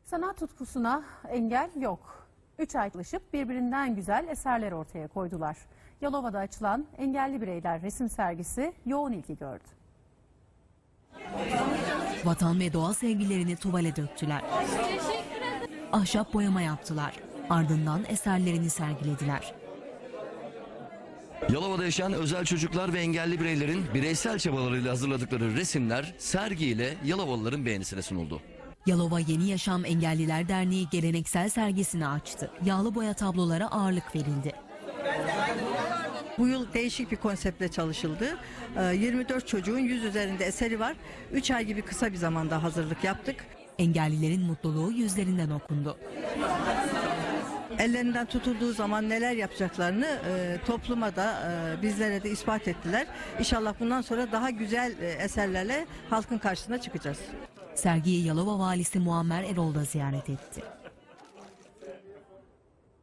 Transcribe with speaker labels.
Speaker 1: Sanat tutkusuna engel yok. 3 ay çalışıp birbirinden güzel eserler ortaya koydular. Yalova'da açılan engelli bireyler resim sergisi yoğun ilgi gördü.
Speaker 2: Vatan ve doğa sevgilerini tuvale döktüler. Ahşap boyama yaptılar. Ardından eserlerini sergilediler.
Speaker 3: Yalova'da yaşayan özel çocuklar ve engelli bireylerin bireysel çabalarıyla hazırladıkları resimler sergiyle Yalovalıların beğenisine sunuldu.
Speaker 2: Yalova Yeni Yaşam Engelliler Derneği geleneksel sergisini açtı. Yağlı boya tablolara ağırlık verildi.
Speaker 4: Bu yıl değişik bir konseptle çalışıldı. 24 çocuğun 100 üzerinde eseri var. 3 ay gibi kısa bir zamanda hazırlık yaptık.
Speaker 2: Engellilerin mutluluğu yüzlerinden okundu.
Speaker 4: Ellerinden tutulduğu zaman neler yapacaklarını topluma da bizlere de ispat ettiler. İnşallah bundan sonra daha güzel eserlerle halkın karşısına çıkacağız.
Speaker 2: Sergiyi Yalova Valisi Muammer Erol da ziyaret etti.